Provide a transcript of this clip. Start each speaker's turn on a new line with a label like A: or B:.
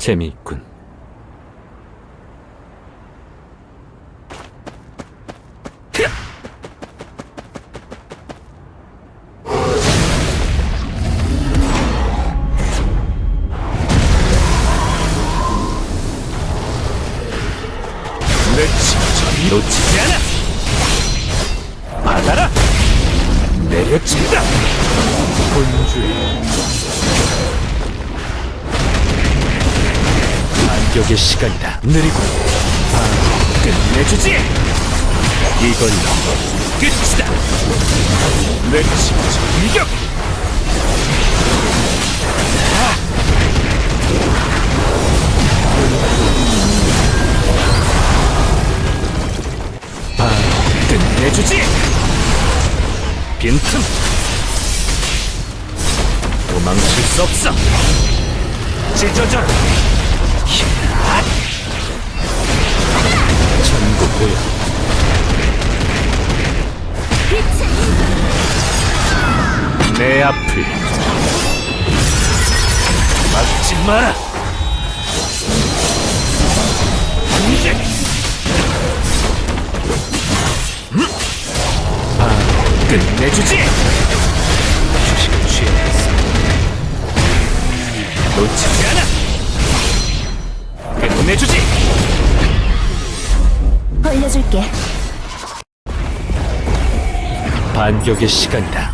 A: 재미있군.
B: 내 진짜
A: 놓치지 않아.
B: 받아라. 내려친다.
A: 본주의 반격의 시간이다. 느리고
B: 끝내주지.
A: 이걸로
B: 끝이다. 내 진짜 이격. 끝내주지.
A: 빈틈
B: 도망칠 수 없어. 찢어져라.
A: 전부 보여.
B: 내 앞을 막지 마라. 이제 끝내주지.
A: 휴식을 취해야겠어.
B: 놓치지 않아. 끝내주지.
C: 벌려줄게.
A: 반격의 시간이다.